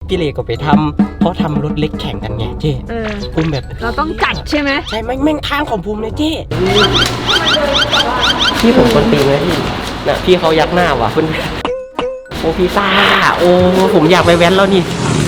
พี่เลก็ไปทำเขาทำรถเล็กแข่งกันไงเจ้ภูมิแบบเราต้องจัดใช่ไหมใช่แม่งทางของภูมิเลยเจ้พี่ผมคนตีเลยพี่นะพี่เขายักหน้าว่ะเพื่อนโอ้พี่ซ่าโอ้ผมอยากไปแว้นแล้วนี่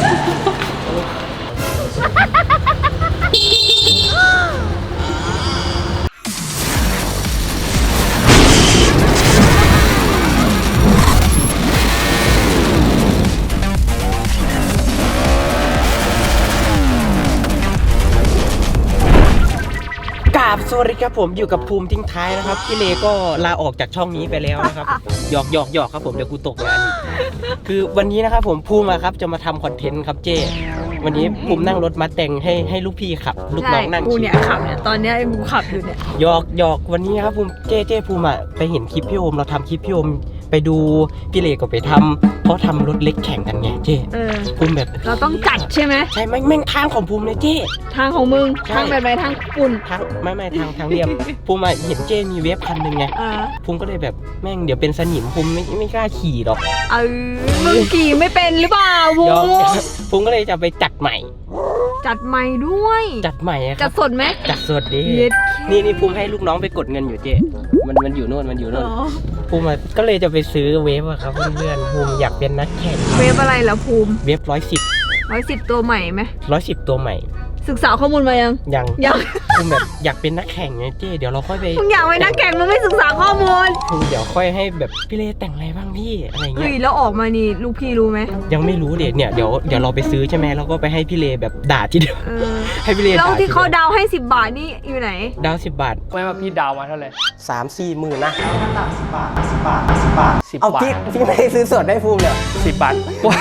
สวัสดีครับผมอยู่กับภูมิทิ้งท้ายนะครับพี่เลก็ลาออกจากช่องนี้ไปแล้วนะครับหยอกครับผมเดี๋ยวกูตกงานคือวันนี้นะครับผมภูมิครับจะมาทำคอนเทนต์ครับเจ้วันนี้ภูมินั่งรถมาแต่งให้ลูกพี่ขับลูกน้องนั่งกูเนี่ยขับเนี่ยตอนนี้กูขับอยู่เนี่ยหยอกวันนี้ครับภูมิเจ้ภูมิไปเห็นคลิปพี่โอมเราทำคลิปพี่โอมไปดูพี่เลก็ไปทำเขาทำรถเล็กแข่งกันไงเจ้ภูมิแบบเราต้องจัดใช่ไหมใช่แม่งทางของภูมิเลยเจ้ทางของมึงทางแบบไหนทางปุ่นทางไม่ทางเรียบภูมิเห็นเจ้มีเวฟคันหนึ่งไงภูมิก็เลยแบบแม่งเดี๋ยวเป็นสนิมภูมิไม่กล้าขี่หรอกมึงขี่ไม่เป็นหรือเปล่าภูมิก็เลยจะไปจัดใหม่ด้วยจัดใหม่ครับจัดสดไหมจัดสดดินี่ภูมิให้ลูกน้องไปกดเงินอยู่เจ้มันอยู่โน่นภูมิก็เลยจะไปซื้อเวฟครับเพื่อนภูมิอยากเป็นนักแข่งเวฟอะไรล่ะภูมิเวฟ110 ตัวใหม่ไหม 110ตัวใหม่ศึกษาข้อมูลมายังภูมิแบบอยากเป็นนักแข่งไงเจ้เดี๋ยวเราค่อยไปมึงอยากเป็นนักแข่งมึงไม่ศึกษาข้อมูลเดี๋ยวค่อยให้แบบพี่เลแต่งอะไรบ้างพี่อะไรเงี้ยแล้วออกมานี่ลูกพี่รู้ไหมยังไม่รู้เดี๋ยวเราไปซื้อใช่ไหมเราก็ไปให้พี่เลแบบด่าทีเดียวให้พี่เลแล้วที่เขาดาวให้10 บาทนี่อยู่ไหนดาว10 บาทไม่ว่าพี่ดาวมาเท่าไหร่ 3-4 หมื่นนะ 10 บาทเอาพี่ไม่ซื้อสดได้ภูมิเลย 10 บาท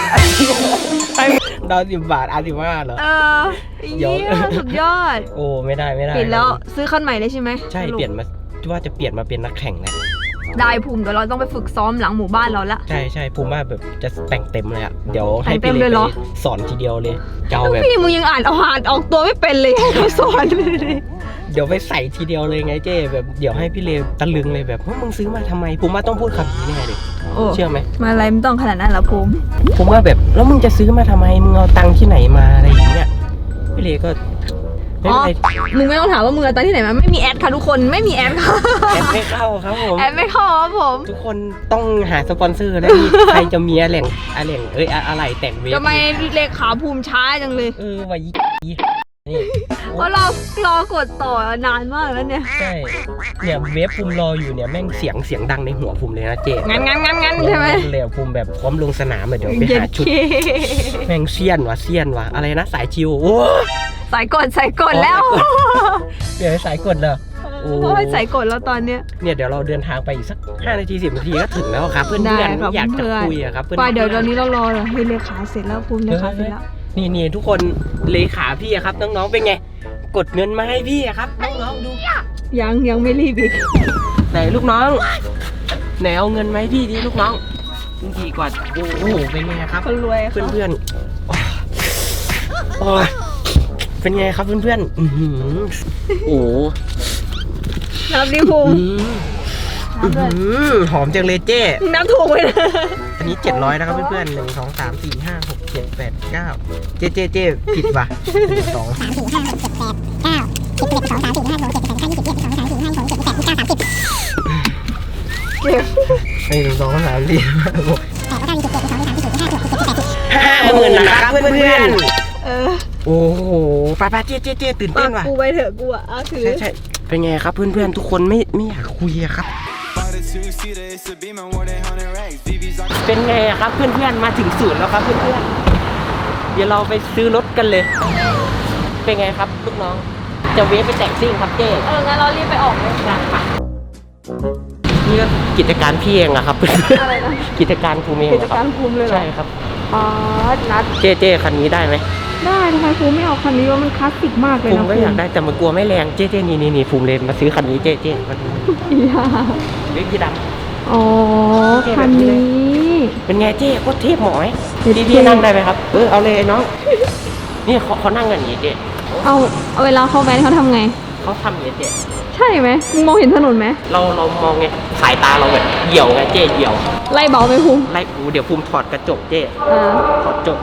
ดาว10 บาท15เหรอเยอะสุดยอดโอ้ไม่ได้เปลี่ยนแล้วซื้อคันใหม่เลยใช่ไหมใช่เปลี่ยนมาว่าจะเปลี่ยนมาเป็นนักแข่งแล้วได้ภูมิเดี๋ยวเราต้องไปฝึกซ้อมหลังหมู่บ้านเราละใช่ภูมิว่าแบบจะแต่งเต็มเลยอ่ะเดี๋ยวให้พี่เลไปสอนทีเดียวเลยเจ้าแบบพี่มึงยังอ่านออกตัวไม่เป็นเลยให้เขาสอนเลยเดี๋ยวไปใส่ทีเดียวเลยไงเจ้แบบเดี๋ยวให้พี่เลตะลึงเลยแบบว่ามึงซื้อมาทำไมภูมิว่าต้องพูดคำนี้แน่เลยเชื่อไหมมาอะไรไม่ต้องขนาดนั้นหรอภูมิว่าแบบแล้วมึงจะซื้อมาทำไมมึงเอาตังค์ที่ไหนมาอะไรอย่างเงี้ยพี่เลก็มึงไม่ต้องถามว่ามึงเอาตังค์ที่ไหนมาไม่มีแอดค่ะทุกคนไม่มีแอดค่ะแอดไม่เข้าครับผมแอดไม่เข้าครับผมทุกคนต้องหาสปอนเซอร์นะใครจะมีอะไรแต่งเวฟทำไมเลขาภูมิช้าจังเลยว่าเพราะรอกดต่อนานมากแล้วเนี่ยใช่เนี่ยเวฟภูมิรออยู่เนี่ยแม่งเสียงดังในหัวภูมิเลยนะเจ๊งั้นใช่ไหมเลยภูมิแบบพร้อมลงสนามเดี๋ยวไปหาชุดแม่งเซียนว่ะอะไรนะสายชิวโอ้สายกดแล้วเดี๋ยวสายกดเลยโอ้ยสายกดแล้วตอนเนี้ยเดี๋ยวเราเดินทางไปอีกสัก5 นาที10 นาทีก็ถึงแล้วครับเพื่อนอยากจะคุยครับไปเดี๋ยวตอนนี้เรารอเลยให้เลขาเสร็จแล้วภูมิเลขาเสร็จแล้วนี่ทุกคนเลขาพี่ครับน้องๆเป็นไงกดเงินมาให้พี่ครับน้องๆดูยังไม่รีบอีกไหนลูกน้องไหนเอาเงินมาให้พี่ดิลูกน้องดีกว่าโอ้โหเป็นไงครับคนรวยเพื่อนโอ้ยเป็นไงครับเพื่อนโอ้น้ำดิภูมิหอมจังเลยเจ้น้ำถูกเลยนะอันนี้700นะครับเพื่อนๆ1 2 3 4 5 6 7 8 9เจ๊ผิดว่ะ1 2 3 4 5 6 7 8 9 10 11 12 13 14 15 16 17 18 19 20 21 22 23 24 25 26 27 28 29 30เก็บ1 2 3 4 5 6 8 9 27 22 23 24 25 26 27 28 50,000นะครับเพื่อนโอ้โหไปเจ๊ตื่นเต้นว่ะกูไปเถอะกูอ่ะถือใช่เป็นไงครับเพื่อนๆทุกคนไม่อยากคุยครับเป็นไงครับเพื่อนๆมาถึงศูนย์แล้วครับเพื่อนๆเดี๋ยวเราไปซื้อรถกันเลยเป็นไงครับลูกน้องจะเวฟไปแต่งซิ่งครับเจ๊งั้นเรารีบไปออกเลยค่ะนี่ก็กิจการพี่เองอะครับอะไรนะกิจการภูมิเองกิจการภูมิเลยเหรอใช่ครับนัดเจ๊คันนี้ได้ไหมได้ทำไมภูมิไม่เอาคันนี้ว่ามันคลาสสิกมากเลยนะภูมิก็อยากได้แต่มันกลัวไม่แรงเจ๊นี่ภูมิเลยมาซื้อคันนี้เจ๊มันเล็กยี่ดำอ๋อคันนี้เป็นไงเจ๊โคตรเทพหมอยพี่นั่งได้ไหมครับเอาเลยน้องนี่เขานั่งกันอย่างนี้เจ๊เอาเวลาเขาแว้นเขาทำไงเขาทำอย่างนี้เจ๊ใช่ไหมมึงมองเห็นถนนไหมเรามองไงสายตาเราแบบเหี่ยวไงเจ๊เหี่ยวไล่เบาไปภูมิไล่เดี๋ยวภูมิถอดกระจกเจ๊ถอดกระจกเสร็จ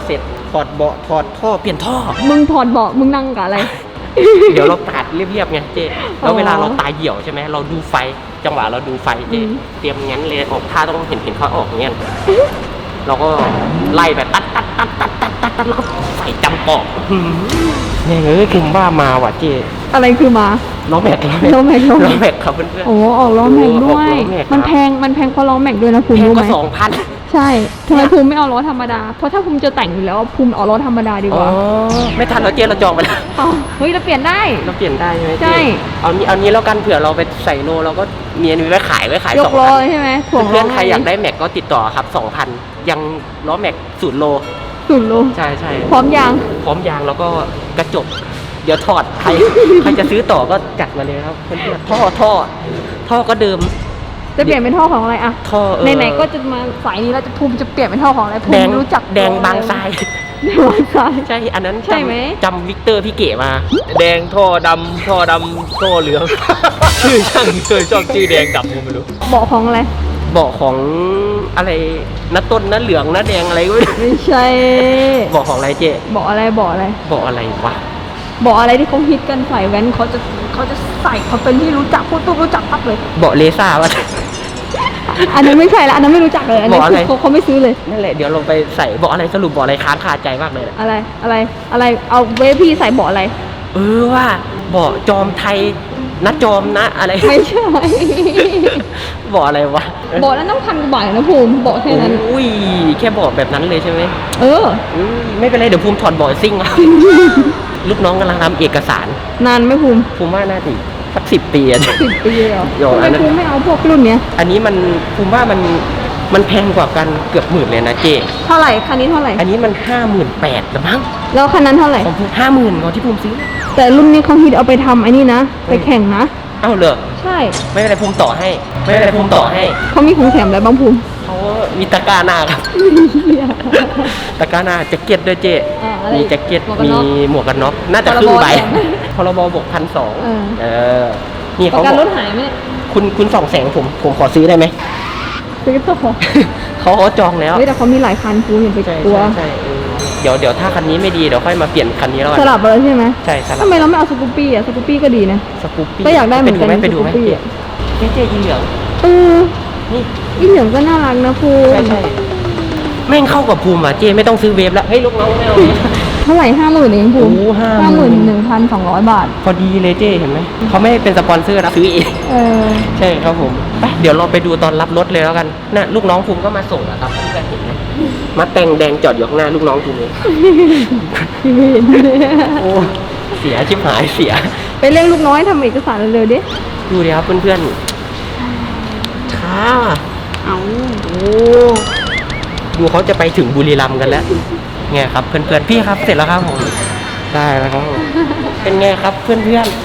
ถอดเบาะถอดท่อเปลี่ยนท่อมึงถอดเบาะมึงนั่งกับอะไรเดี๋ยวเราตัดเรียบๆไงเจ๊แล้วเวลาเราตายเหี่ยวใช่ไหมเราดูไฟจังหวะเราดูไฟเจ๊เตรียมงั้นเลยออกท่าต้องเห็นเขาออกเงี้ยเราก็ไล่ไปตัดแล้วก็ใส่จำปอกเนี่ยคือว่ามาว่ะเจ๊อะไรคือมาล้อแม็กล้อแม็กครับเพื่อนๆโอ้ออกล้อแม็กด้วยออกล้อแม็กครับมันแพงเพราะล้อแม็กด้วยนะภูมิแพงรู้ก็ไหม 2,000 ใช่ทำไมภูมิไม่เอาล้อธรรมดา เพราะถ้าภูมิจะแต่งอยู่แล้วภูมิเอาล้อธรรมดาดีกอ๋อว่าไม่ทันเราเจ๊เราจองไปแล้วอ๋อเฮ้ยเราเปลี่ยนได้เราเปลี่ยนได้ใช่ไหมใช่เจ๊เอานี้แล้วกันเผื่อเราไปใส่โลเราก็เมียนไว้ขายยกล้อ 2,000 ใช่ไหมถ่วงล้เพื่อนๆใครอยากได้แม็กก็ติดต่อครับ 2,000 ยังล้อแม็ก0 โลสุดโลใช่พร้อมยางพร้อมยางแล้วก็กระจก เดี๋ยวถอดใครจะซื้อต่อก็จัดมาเลยครับเพื่อนๆท่อก็เดิมจะเปลี่ยนเป็นท่อของอะไรอะท่อไหนๆก็จะมาสายนี้แล้วจะภูมิจะเปลี่ยนเป็นท่อของอะไรภูแดมิงรู้จักแดงบางทรายแดงบางทรายใช่อันนั้นใช่ไหมจำวิกเตอร์พี่เก๋มาแดงท่อดำท่อเหลือง ชื่อช่างเคยชอบชื่อแดงดำผมไม่รู้เบาะของอะไรเบาะของอะไรน้าต้นน้าเหลืองน้าแดงอะไรก็ไม่รู้ไม่ใช่เบาะของอะไรเจ๊เบาะอะไรเบาะอะไรเบาะอะไรวะเบาะอะไรที่เขาฮิตกันใส่แว้นเขาจะใส่เขาเป็นที่รู้จักพูดตุ๊บรู้จักปั๊บเลยเบาะเลซ่าวะอันนั้นไม่ใช่ละอันนั้นไม่รู้จักเลยอันนี้เบาะอะไรคือเขาไม่ซื้อเลยนั่นแหละเดี๋ยวลงไปใส่เบาะอะไรสรุปเบาะอะไรค้างคาใจมากเลยนะอะไรเอาเวฟพี่ใส่เบาะอะไรว่าเบาะจอมไทยนะจอมนะอะไรไม่ใช่เบาะอะไรวะเบาะนั้นต้องพันกว่าบาทนะภูมิเบาะแค่นั้นอุ้ยแค่เบาะแบบนั้นเลยใช่ไหมเออไม่เป็นไรเดี๋ยวภูมิถอดเบาะซิ่งเอา ลูกน้องกำลังทำเอกสารนานไหมภูมิภูมิว่าน่าจะสัก10 ปีอะ 10 ปีเลยเหรอโยนทำอัไมนนั้นภูมิไม่เอาพวกรุ่นเนี้ยอันนี้มันภูมิว่ามันแพงกว่ากันเกือบหมื่นเลยนะเจเท่าไหร่คันนี้เท่าไหร่อันนี้มัน58,000แล้วมั้งแล้วคันนั้นเท่าไหร่ของภูมิ50,000ของที่ภูมิซื้อแต่รุ่นนี้เขาฮิตเอาไปทำไอ้นี่นะไปแข่งนะเอ้าเหรอใช่ไม่เป็นไรภูมิต่อให้ไม่เป็นไรภูมิต่อให้เขามีของแถมอะไรบ้างภูมิเขามีตะกร้าหน้าครับ ตะกร้าหน้าแจ็คเก็ตด้วยเจอะไรมีแจ็คเก็ตหมวกกันมีน็อกหมวกกันน็อกน่าจะครึ่งใบพรบแถมพรบบวก1,200 เออนี่ประเขากันบรอกถหายไหมเนี่ยคุณ200,000ผมขอซื้อได้ไหมซื้อต่อเขาจองแล้วเฮ้ยแต่เขามีหลายคันภูมิอย่าไปใช่กลัวใช่เดี๋ยวถ้าคันนี้ไม่ดีเดี๋ยวค่อยมาเปลี่ยนคันนี้แล้วกัสนลับไปแล้วใช่ไหมใช่สลับทำไมเราไม่เอาสกูปปี้อ่ะสกูปปี้ก็ดีนะสกูปปี้ก็อยากได้เหมือนกันไปดูไหมสกูปปี้อะเจอีเหลืองเออนี่อีเหลืองก็น่ารักนะภูมิใช่แม่งเข้ากับภูมิอ่ะเจไม่ต้องซื้อเวฟแล้วเฮ้ยลูกน้องไม่เอาเวฟเท่าไหร่50,000เองภูมิโอ้50,000 51,200 บาทพอดีเลยเจเห็นไหมเขาไม่เป็นสปอนเซอร์นะซื้อเองเออใช่ครับผมไปเดี๋ยวเราไปดูตอนรับรถเลยแล้วกันน่ะลูกน้องภูมิก็มาส่งอะครับที่กันเห็นไหมมาแต่งแดงจอดอยู่ข้างหน้าลูกน้องภูมิเลยพี่ไม่เห็นเลยโอ้เสียชิบหายเสียไปเรียกลูกน้อยทำเอกสารเร็วๆดิดูดิครับเพื่อนๆช้าเอาโอ้ดูเขาจะไปถึงบุรีรัมย์กันแล้วไงครับเพื่อนๆพี่ครับเสร็จแล้วครับผมได้แล้วครับผมเป็นไงครับเพื่อน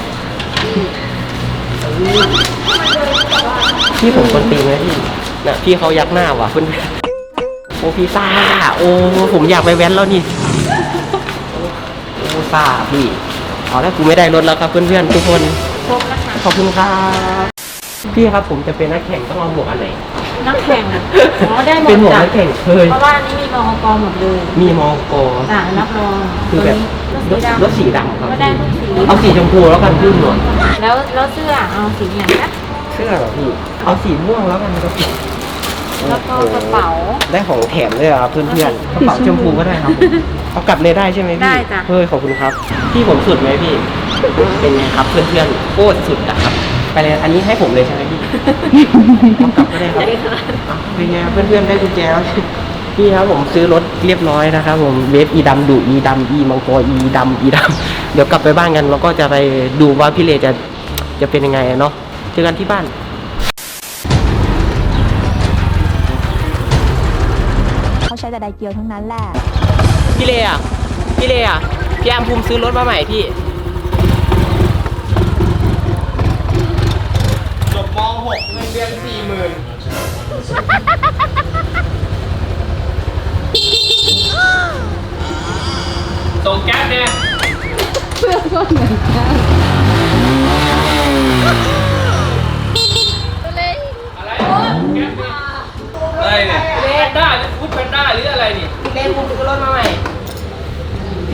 ๆพี่ผมคนตีนไหมพี่น่ะพี่เขายักหน้าว่ะเพื่อนๆโอ้พี่ซ่าโอ้ผมอยากไปแว้นแล้วนี่โอ้ซ่าพี่เอาแล้วกูไม่ได้รถแล้วครับเพื่อนๆทุกคนขอบคุณครับพี่ครับผมจะเป็นนักแข่งต้องเอาหมวกอันไหนนักแข่งอ๋อได้หมเป็นดหมวกจ้ะนักแข่งเคยเพราะว่านี่มีมอกหมดเลยมีมอกจ้ะรับรองคือแบบรรถถสีดำรถสีดำครับก็ได้ทุกสีเอาสีชมพูแล้วกันพี่หน่อยแล้วเสื้อเอาสีอย่างนี้เสื้อเหรอพี่เอาสีม่วงแล้วกันครับพี่แล้วก็กระเป๋าได้ของแถมด้วยครับเพื่อนๆกระเป๋าชมพูก็ได้ครับเอากลับเลยได้ใช่ไหมพี่ได้จ้ะเฮ้ยขอบคุณครับพี่ผมสุดไหมพี่เป็นไงครับเพื่อนๆโคตรสุดนะครับไปเลยอันนี้ให้ผมเลยใช่ไหมพี่เอากลับก็ได้ครับอ่ะเป็นไงเพื่อนๆได้กุญแจแล้วพี่ครับผมซื้อรถเรียบร้อยนะครับผมเวฟอีดำดุอีดำอีมังกรอีดำอีดำเดี๋ยวกลับไปบ้านกันแล้วก็จะไปดูว่าพี่เลจะเป็นยังไงเนาะเจอกันที่บ้านเขาใช้แต่ไดเกียวทั้งนั้นแหละพี่เลอ่ะพี่อามภูมิซื้อรถมาใหม่พี่จบม .6 เงินเดือน40,000 ส่งแก๊สเนี่ยเสื้อก็เหมือนกันอะไรแก๊สเนี่ยอะไรเนี่ยแพนด้าหรือฟู้ดแพนด้าหรืออะไรนี่พี่เลภูมิซื้อรถมาใหม่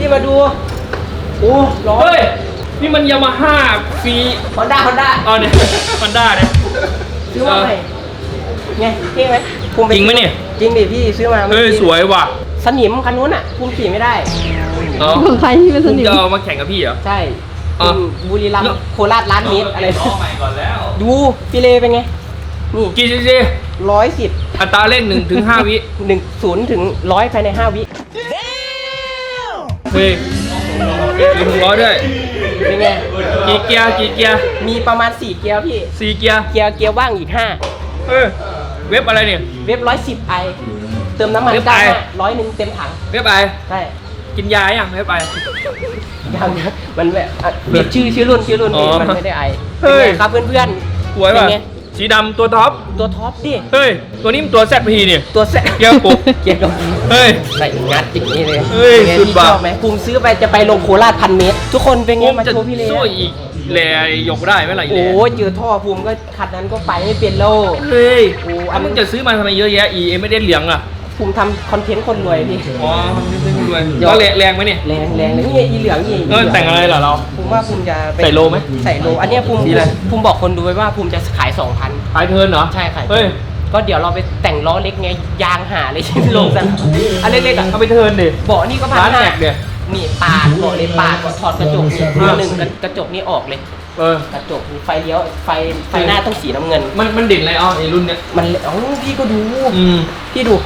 มาดูโอ้ร้อนเฮ้ยนี่มันยามาฮ่าฟรีฮอนด้าเอาเนี่ยมันได้เนี่ยซื้อมาใหม่ไงเท่ไหมภูมิปจริงไหมเนี่ยจริงดิพี่ซื้อมาเฮ้ยสวยว่ะสนิมคันนู้นอ่ะภูมิขี่ไม่ได้เนาะของใครที่เป็นสคุณนิมจะเอามาแข่งกับพี่เหรอใช่อ่ะบุรีรัมย์โคราชล้านเมตรอะไรล้อใหม่ก่อนแล้วดูพี่เลเป็นไงนี่กี่ซีซี 110 อัตราเร่ง1 ถึง 5 วิ 0 ถึง 100ภายใน5 วิเฮ้ยมีหัวด้วยเป็นไงกี่เกียร์มีประมาณ4เกียร์พี่ 4 เกียร์เกียร์ว่างอีกเออเว็บอะไรเนี่ย 5 เว็บ110 i เติมน้ำมันเว็บได้ I 100เต็มถังเว็บอะไรใช่กินยาอย่างเว็บอะไรยังนะมันแบบเปลี่ยนชื่อรุ่นอ๋อมันไม่ได้ไอเฮ้ยเป็นไงครับเพื่อนสวยเป็นป่ะไงสีดำตัวท็อปตัวท็อปดิเฮ้ย ตัวนี้มันตัว ZP เนี่ยตัวแซะเกียร์ปุกเกียร์กับเฮ้ยใส่งัดอย่างนี้เลยเฮ้ยป็นไงสุดพี่ว่ะชอบไหมภูมิซื้อไปจะไปลงโคราช1,000 เมตร ทุกคนเป็นไงมาจะโชว์พี่เลสู้อีกแหล่ยกได้ไหมล่ะอีแหโอ้ล่ยเจอท่อภูมิก็คันนั้นก็ไปไม่เป็นแล้วเฮ้ยโอ้อันมึงจะซื้อมาทำไมเยอะแยะอีเอ็มไม่ได้เหลียงอ่ะภูมิทำคอนเทนต์คนรวยพี่อ๋อทำนี่เป็นคนรวยแล้วแรงไหมเนี่ยแรงเลยนี่อีเหลืองนี่เออแต่งอะไรเหรอเราภูมิว่าภูมิจะปใส่โลไหมใส่โลอันเนี้ยภูมิดีเลยภูมิบอกคนดูไว้ว่าภูมิจะขาย 2,000 ขายเทิร์นเหรอใช่ค่ะเฮ้ยก็เดี๋ยวเราไปแต่งล้อเล็กไงยางหาเลย ลงสันอันเล็กๆอ่ะเอาไปเทิร์นดิเบาะนี่ก็พันร้านห้าแม็กเนี่ยนี่ปาดเบาะเลยปาดถอดกระจกนี่อ่าหนึ่งกระจกนี่ออกเลยเออกระจกมีไฟเลี้ยวไฟหน้าต้องสีน้ำเงินมันเด่นอะไรอ๋อไอ้รุ่นเนี้ยมันเอ้าพี่ก็ดูอืมพี่ดู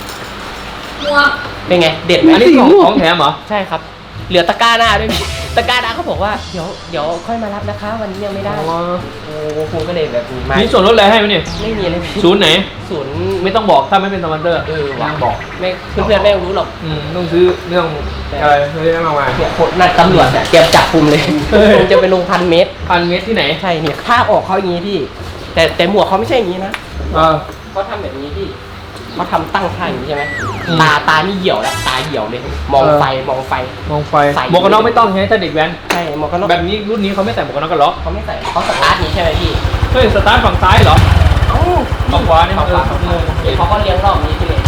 เป็นไงเด็ดไหมอันนี้ของแถมเหรอใช่ครับ เหลือตะกร้าหน้าด้วยพี่ตะกร้าหน้าเขาบอกว่าเดี๋ยวค่อยมารับนะคะ วันนี้ยังไม่ได้อ๋อโอ้ภูมิก็เลยแบบมามีส่วนลดอะไรให้ไหมเนี่ยไม่มีเลยพี่ศูนย์ไหนศูนย์ไม่ต้องบอกถ้าไม่เป็นสปอนเซอร์วางบอกไม่เพื่อนๆไม่รู้หรอกต้องซื้อเรื่องอะไรเฮ้ยเอามาเนี่ยคนนัดตำรวจเนี่ยเตรียมจับภูมิเลยเฮ้ยภูมิจะไปลง1,000 เมตร 1,000 เมตรที่ไหนใช่เนี่ยถ้าออกเขาอย่างนี้พี่ แต่หมวกเขาไม่ใช่อย่างนี้นะอ่าเขาทำแบบนี้พี่เขาทำตั้งท่าอย่างนี้ใช่ไหมอืมตานี่เหี่ยวแล้วตาเหี่ยวเลย มองเออไฟมองไฟใส่หมวกกันน็อกไม่ต้องใช่ไหมถ้าเด็กแว้นใช่หมวกกันน็อกแบบนี้รุ่นนี้เขาไม่ใส่หมวกกันน็อกกันหรอเขาไม่ใส่เขาสตาร์ทนี้ใช่ไหมพี่เฮ้ยสตาร์ทฝั่งซ้ายเหรอเอ้าฝั่งขวานี่ฝั่งขวาเออเดี๋ยวเขาก็เลี้ยงรอบนี้พี่เลย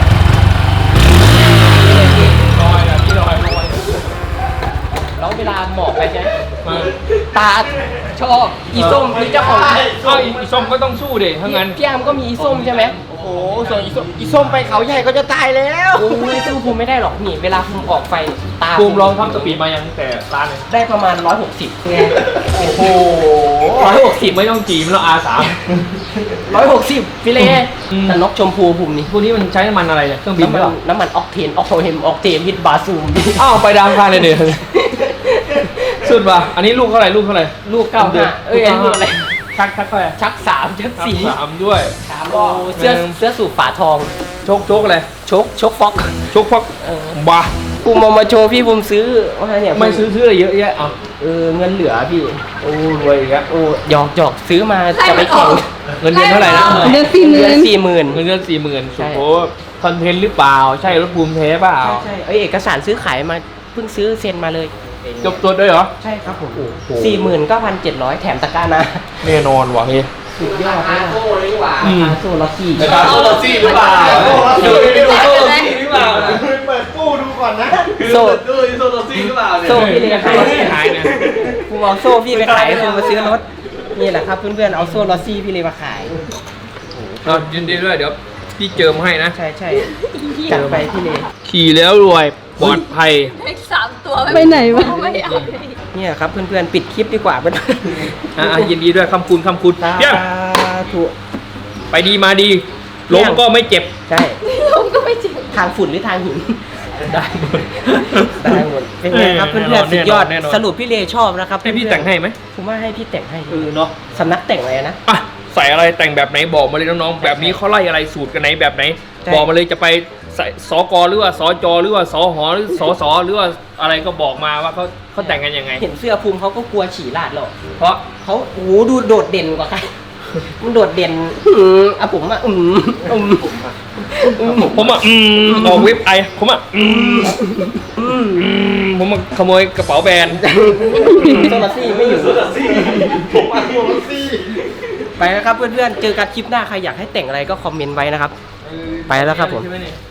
ลอยนะพี่ลอยแล้วเวลาหมอกไปใช่ไหมมาตาชอบอีส้มคือเจ้าของก็อีส้มก็ต้องสู้ดิถ้างั้นพี่อามก็มีอีส้มใช่ไหมโอ้โหส่วนอีส้มไปเขาใหญ่ก็จะตายแล้วโอ้ยสู้ภูมิไม่ได้หรอกนี่เวลาภูมิออกไฟตาภูมิลองทำสปีดมายังแต่ร้านเลยได้ประมาณ160ไงโอ้โห 160 ไม่ต้องจีมแล้ว R3 160พี่เล่อืมแต่นกชมพูภูมินี่พวกนี้มันใช้น้ำมันอะไรเนี่ยเครื่องบินน้ำหมัรือเปนล่าน้ำมันออกเทนออกเทนฮิตบาซูมอ้าวไปดามพานเลยเดี๋ยวสุดป่ะอันนี้ลูกเท่าไหร่ลูกเท่าไหร่ลูก95เอ้ยอันนี้ลูกอะไรชักเท่าไหร่ชัก3ชัก 3ด้วย 4โอ้เสื้อสูบฝาทองโชกอะไรชกฟอกโชกพักเออบ้าภูมิเอามาโชว์พี่ภูมิซื้อว่าเนี่ยไม่ซื้ออะไรเยอะแยะอ่ะเงินเหลือพี่โอ้รวยอีกแล้วโอ้หยอกซื้อมาจะไปแข่งเงินเดือนเท่าไหร่นะเดือน40,000 เดือน40,000 เงินเดือน40,000 ใช่โอ้โหคอนเทนต์หรือเปล่าใช่รถภูมิเทเปล่าใช่เอกสารซื้อขายมาเพิ่งซื้อเซ็นมาเลยจบตัวด้วยเหรอใช่ครับผมโอ้โห 49,700แถมตะกร้านะแน่นอนว่ะเฮ้ยสุดยอดเลยโซ่เลยดีกว่าอืมโซ่ล็อกกี้นะครับโซลาซี่หรือเปล่าดูไปดูโซลาซี่หรือเปล่าเปิดตู้ดูก่อนนะโซ่ตู้โซโลซี่หรือเปล่าเนี่ยโซ่พี่เลยครับโซลาซี่หายเนี่ยกูเอาโซ่พี่ไปขายคือมาซื้อรถนี่แหละครับเพื่อนๆเอาโซ่ล็อกซี่พี่เลยมาขายเอายินดีด้วยเดี๋ยวพี่เจิมให้นะใช่จัดไปพี่เลยขี่แล้วรวยปลอดภัยไปไหนวะเนี่ยครับเพื่อนๆปิดคลิปดีกว่าเพื่อนยินดีด้วยคำคุณเพียงถูกไปดีมาดีล้มก็ไม่เจ็บใช่ล้มก็ไม่เจ็บทางฝุ่นหรือทางหินได้หมดได้หมดเป็นไงครับเพื่อนๆสุดยอดสรุปพี่เลชอบนะครับให้พี่แต่งให้ไหมผมว่าให้พี่แต่งให้เนาะสำนักแต่งอะไรนะอ่ะใส่อะไรแต่งแบบไหนบอกมาเลยน้องๆแบบนี้เขาไล่อะไรสูตรกันไหนแบบไหนใช่บอกมาเลยจะไปใส่สกหรือว่าสจหรือว่าสหหรือสสหรือว่าอะไรก็บอกมาว่าเขาแต่งกันยังไงเห็นเสื้อภูมิเขาก็กลัวฉี่ลาดหรอกเพราะเขาโอ้โหดูโดดเด่นกว่าใคร มันโดดเด่นผมอ่ะผมอ่ะออกเว็บไอผมอ่ะผมมาขโมยกระเป๋าแบรนด์โซลาซี่ไม่อยู่ผมอ่ะโซโลซี่ไปแล้วครับเพื่อนๆเจอกันคลิปหน้าใครอยากให้แต่งอะไรก็คอมเมนต์ไว้นะครับ ไปแล้วครับผมใช่ไหเนี่ย